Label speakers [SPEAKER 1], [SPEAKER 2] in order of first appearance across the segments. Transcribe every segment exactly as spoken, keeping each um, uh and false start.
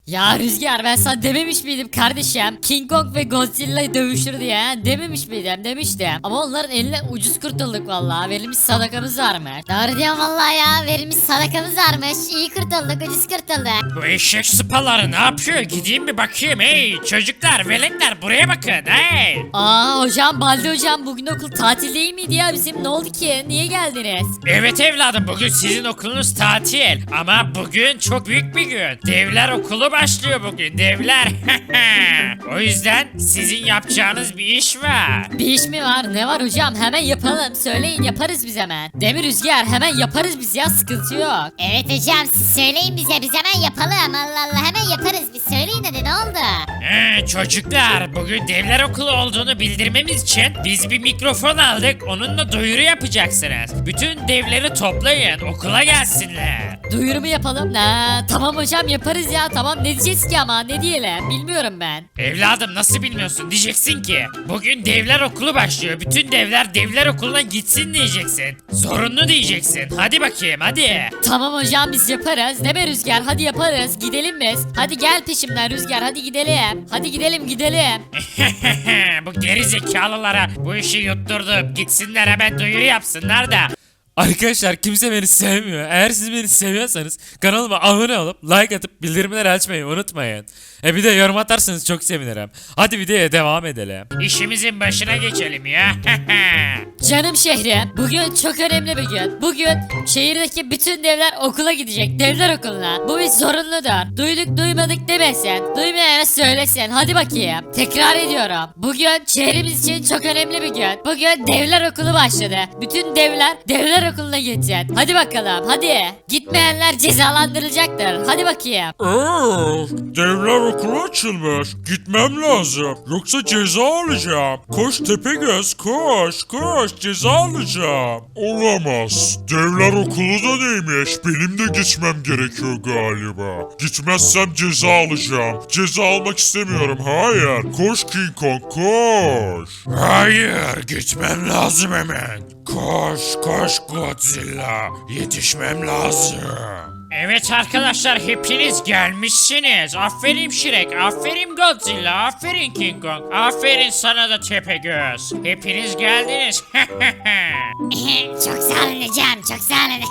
[SPEAKER 1] Ya Rüzgar ben sana dememiş miydim kardeşim? King Kong ve Godzilla dövüşür diye ha? Dememiş miydim? Demiştim. Ama onların eline ucuz kurtulduk vallahi. Verilmiş sadakamız varmış.
[SPEAKER 2] Doğru diyorsun vallahi ya. Verilmiş sadakamız varmış. İyi kurtulduk, ucuz kurtulduk.
[SPEAKER 3] Bu eşek sıpaları ne yapıyor? Gideyim bir bakayım. Hey çocuklar, veletler buraya bakın. Hey.
[SPEAKER 1] Aa hocam Baldi hocam bugün okul tatil değil miydi ya bizim? Ne oldu ki? Niye geldiniz?
[SPEAKER 3] Evet evladım, bugün sizin okulunuz tatil. Ama bugün çok büyük bir gün. Devler okulu başlıyor bugün. Devler. O yüzden sizin yapacağınız bir iş var.
[SPEAKER 1] Bir iş mi var? Ne var hocam? Hemen yapalım. Söyleyin yaparız biz hemen. Demir Rüzgar hemen yaparız biz ya sıkıntı yok.
[SPEAKER 2] Evet hocam siz söyleyin bize, biz hemen yapalım. Allah Allah hemen yaparız, biz söyleyin hadi, ne oldu?
[SPEAKER 3] Ee, çocuklar, bugün devler okulu olduğunu bildirmemiz için biz bir mikrofon aldık. Onunla duyuru yapacaksınız. Bütün devleri toplayın, okula gelsinler.
[SPEAKER 1] Duyurumu yapalım. Ha, tamam hocam yaparız ya. Tamam ne diyeceğiz ki ama ne diyelim bilmiyorum ben.
[SPEAKER 3] Evladım nasıl bilmiyorsun? Diyeceksin ki bugün devler okulu başlıyor. Bütün devler devler okuluna gitsin diyeceksin. Zorunlu diyeceksin. Hadi bakayım hadi.
[SPEAKER 1] Tamam hocam biz yaparız. Değil mi Rüzgar? Hadi yaparız. Gidelim biz. Hadi gel peşimden Rüzgar. Hadi gidelim. Hadi gidelim gidelim.
[SPEAKER 3] Bu geri zekalılara bu işi yutturdum. Gitsinler hemen duyuru yapsınlar da.
[SPEAKER 4] Arkadaşlar kimse beni sevmiyor. Eğer siz beni seviyorsanız kanalıma abone olup like atıp bildirimleri açmayı unutmayın. E bir de yorum atarsanız çok sevinirim. Hadi videoya devam edelim.
[SPEAKER 3] İşimizin başına geçelim ya.
[SPEAKER 1] Canım şehrim. Bugün çok önemli bir gün. Bugün şehirdeki bütün devler okula gidecek. Devler okuluna. Bu bir zorunludur. Duyduk duymadık demesin. Duymayana söylesin. Hadi bakayım. Tekrar ediyorum. Bugün şehrimiz için çok önemli bir gün. Bugün devler okulu başladı. Bütün devler devler okuluna gidecek. Hadi bakalım hadi. Gitmeyenler cezalandırılacaktır. Hadi bakayım.
[SPEAKER 5] Ee, devler okulu açılmış. Gitmem lazım. Yoksa ceza alacağım. Koş Tepegöz koş koş ceza alacağım. Olamaz. Devler okulu da neymiş? Benim de gitmem gerekiyor galiba. Gitmezsem ceza alacağım. Ceza almak istemiyorum. Hayır. Koş King Kong koş.
[SPEAKER 3] Hayır, gitmem lazım hemen. Koş, koş Godzilla. Yetişmem lazım. Evet arkadaşlar, hepiniz gelmişsiniz. Aferin Shrek, aferin Godzilla, aferin King Kong, aferin sana da Tepegöz. Hepiniz geldiniz.
[SPEAKER 2] Çok sağ olun hocam, çok sağ olun.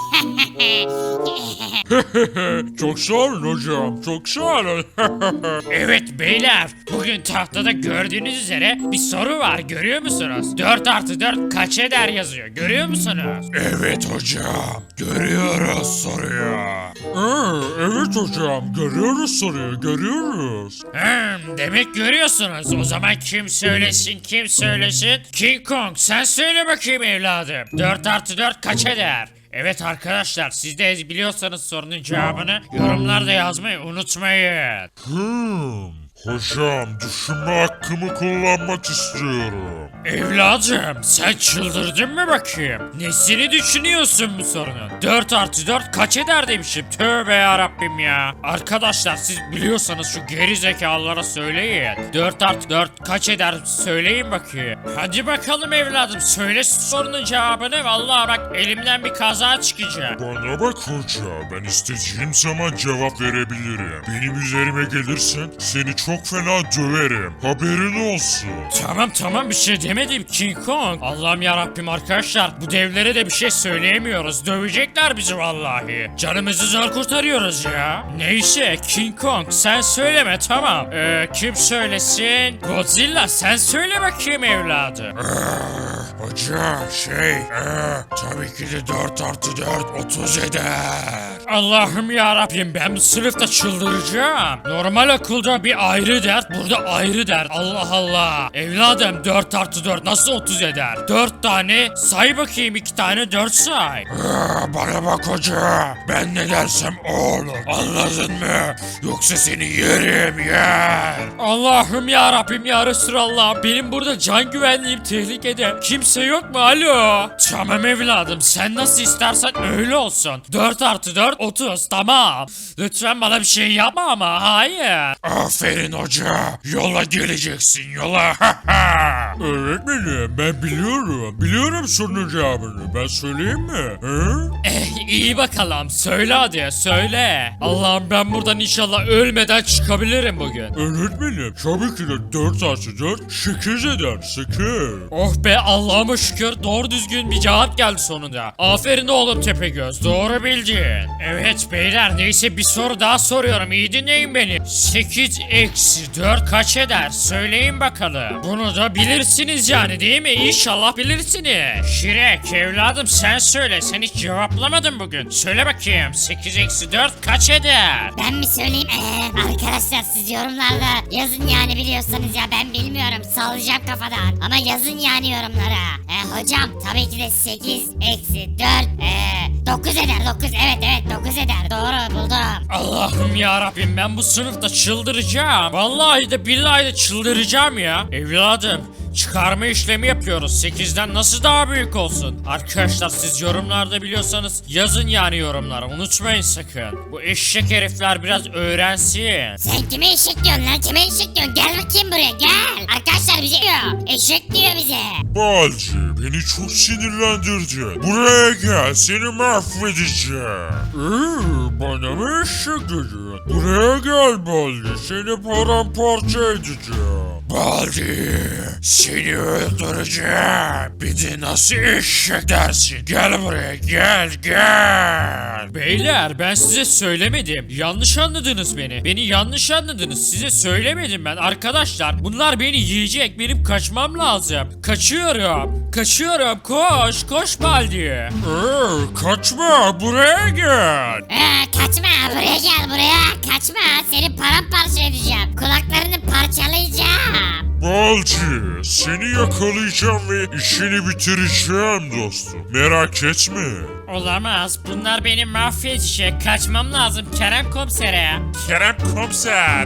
[SPEAKER 5] Çok sağ olun hocam. Çok sağ olun.
[SPEAKER 3] Evet beyler, bugün tahtada gördüğünüz üzere bir soru var, görüyor musunuz? dört artı dört kaç eder yazıyor, görüyor musunuz?
[SPEAKER 5] Evet hocam. Görüyoruz soruyu. Ee, evet hocam. Görüyoruz soruyu. Görüyoruz.
[SPEAKER 3] Hmm, demek görüyorsunuz. O zaman kim söylesin, kim söylesin? King Kong sen söyle bakayım evladım. dört artı dört kaç eder? Evet arkadaşlar, siz de biliyorsanız sorunun cevabını yorumlarda yazmayı unutmayın.
[SPEAKER 5] Hmm. Hocam düşünme hakkımı kullanmak istiyorum.
[SPEAKER 3] Evladım sen çıldırdın mı bakayım? Nesini düşünüyorsun bu sorunun? dört artı dört kaç eder demişim. Tövbe yarabbim ya. Arkadaşlar siz biliyorsanız şu geri zekalılara söyleyin. dört artı dört kaç eder söyleyin bakayım. Hadi bakalım evladım, söyle sorunun cevabını. Vallahi bak elimden bir kaza çıkacak.
[SPEAKER 5] Bana bak hoca, ben istediğim zaman cevap verebilirim. Benim üzerime gelirsen seni çok fena döverim. Haberin olsun.
[SPEAKER 3] Tamam tamam, bir şey demedim King Kong. Allah'ım yarabbim arkadaşlar, bu devlere de bir şey söyleyemiyoruz. Dövecekler bizi vallahi. Canımızı zor kurtarıyoruz ya. Neyse King Kong sen söyleme, tamam. Ee, kim söylesin? Godzilla sen söyle bakayım evladım.
[SPEAKER 5] Hoca şey, ee, tabii ki de dört artı dört otuz eder.
[SPEAKER 3] Allah'ım yarabbim, ben bu sınıfta çıldıracağım. Normal okulda bir ayrı dert, burada ayrı dert. Allah Allah. Evladım dört artı dört nasıl otuz eder? dört tane say bakayım, iki tane dört say.
[SPEAKER 5] Ee, bana bak hoca, ben ne dersem o olur. Anladın mı? Yoksa seni yerim yer.
[SPEAKER 3] Allah'ım yarabbim ya Resulallah, benim burada can güvenliğim tehlikede. Kimse yok mu? Alo. Tamam evladım, sen nasıl istersen öyle olsun. dört artı dört otuz tamam. Lütfen bana bir şey yapma ama hayır.
[SPEAKER 5] Aferin hoca. Yola geleceksin yola. Öğretmenim ben biliyorum. Biliyorum sorunun cevabını. Ben söyleyeyim mi? Hı?
[SPEAKER 3] Eh iyi bakalım söyle hadi söyle. Allah'ım ben buradan inşallah ölmeden çıkabilirim bugün.
[SPEAKER 5] Öğretmenim tabii ki de dört artı dört sekiz eder. sekiz.
[SPEAKER 3] Oh be Allah'ıma şükür doğru düzgün bir cevap geldi sonunda. Aferin oğlum Tepegöz doğru bildin. Evet beyler neyse bir soru daha soruyorum iyi dinleyin beni. sekiz eksi dört kaç eder söyleyin bakalım. Bunu da bilirsiniz yani değil mi? İnşallah bilirsiniz. Şirek evladım sen söyle sen hiç cevaplamadın bugün. Söyle bakayım sekiz eksi dört kaç eder?
[SPEAKER 2] Ben mi söyleyeyim? Ee, arkadaşlar siz yorumlarda yazın yani biliyorsanız ya ben bilmiyorum sallayacağım kafadan. Ama yazın yani yorumlara. Ee, hocam tabii ki de sekiz eksi dört ee, dokuz eder dokuz evet evet dokuz eder doğru buldum.
[SPEAKER 3] Allah'ım ya Rabbim ben bu sınıfta çıldıracağım. Vallahi de billahi de çıldıracağım ya. Evladım çıkarma işlemi yapıyoruz. sekizden nasıl daha büyük olsun? Arkadaşlar siz yorumlarda biliyorsanız yazın yani yorumlara. Unutmayın sakın. Bu eşek herifler biraz öğrensin.
[SPEAKER 2] Sen kime eşek diyorsun lan kime eşek diyorsun gel bakayım buraya gel. Arkadaşlar bize diyor eşek diyor bize.
[SPEAKER 5] Balcı beni çok sinirlendirdin. Buraya gel seni mahvedeceğim. Ee, bana mı eşek dedin? Buraya gel Balcı seni paramparça edeceğim. Baldi seni öldüreceğim. Bir de nasıl eşek dersin? Gel buraya gel gel.
[SPEAKER 3] Beyler ben size söylemedim. Yanlış anladınız beni. Beni yanlış anladınız. Size söylemedim ben. Arkadaşlar bunlar beni yiyecek. Benim kaçmam lazım. Kaçıyorum. Kaçıyorum. Koş. Koş Baldi.
[SPEAKER 5] Ee, kaçma buraya gel.
[SPEAKER 2] Ee, kaçma buraya gel buraya kaçma seni paramparça edeceğim kulaklarını parçalayacağım.
[SPEAKER 5] Balcı seni yakalayacağım ve işini bitireceğim dostum. Merak etme.
[SPEAKER 3] Olamaz. Bunlar beni mahvedecek. Kaçmam lazım Kerem komisere.
[SPEAKER 5] Kerem komiser.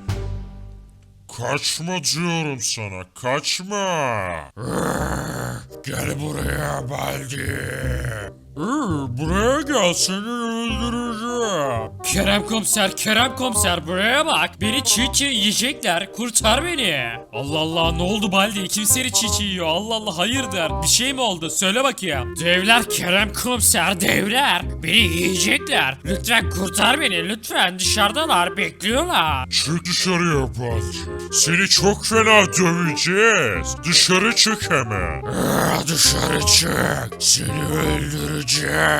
[SPEAKER 5] Kaçma diyorum sana kaçma. Gel buraya Baldi. Buraya gel seni öldüreceğim.
[SPEAKER 3] Kerem komiser, Kerem komiser buraya bak. Beni çiğ çiğ yiyecekler. Kurtar beni.
[SPEAKER 4] Allah Allah ne oldu Baldi? Kim seni çiğ çiğ yiyor? Allah Allah hayırdır? Bir şey mi oldu? Söyle bakayım.
[SPEAKER 3] Devler Kerem komiser, devler. Beni yiyecekler. Lütfen kurtar beni. Lütfen dışarıdalar. Bekliyorlar.
[SPEAKER 5] Çık dışarıya Balcı. Seni çok fena döveceğiz. Dışarı çık hemen. Dışarı çık. Seni öldüreceğim.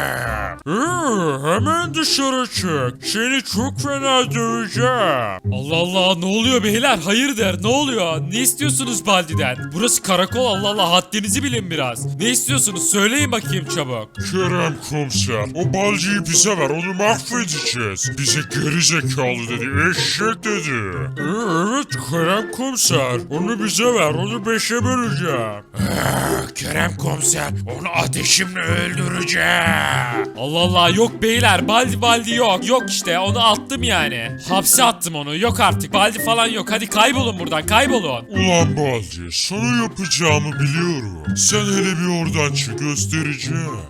[SPEAKER 5] Hemen dışarı çık. Seni çok fena döveceğim.
[SPEAKER 4] Allah Allah ne oluyor beyler? Hayırdır? Ne oluyor? Ne istiyorsunuz Baldi'den? Burası karakol Allah Allah haddinizi bilin biraz. Ne istiyorsunuz? Söyleyin bakayım çabuk.
[SPEAKER 5] Kerem komiser, o balcıyı bize ver, onu mahvedeceğiz. Bize geri zekalı dedi, eşek dedi. Ee, evet Kerem komiser, onu bize ver, onu beşe böleceğim. Ee, Kerem komiser, onu ateşimle öldüreceğim.
[SPEAKER 4] Allah Allah yok beyler Baldi Baldi yok. Yok işte onu attım yani. Hapse attım onu yok artık Baldi falan yok. Hadi kaybolun buradan kaybolun.
[SPEAKER 5] Ulan balcı, sana yapacağımı biliyorum. Sen hele bir oradan çık göstereceğim.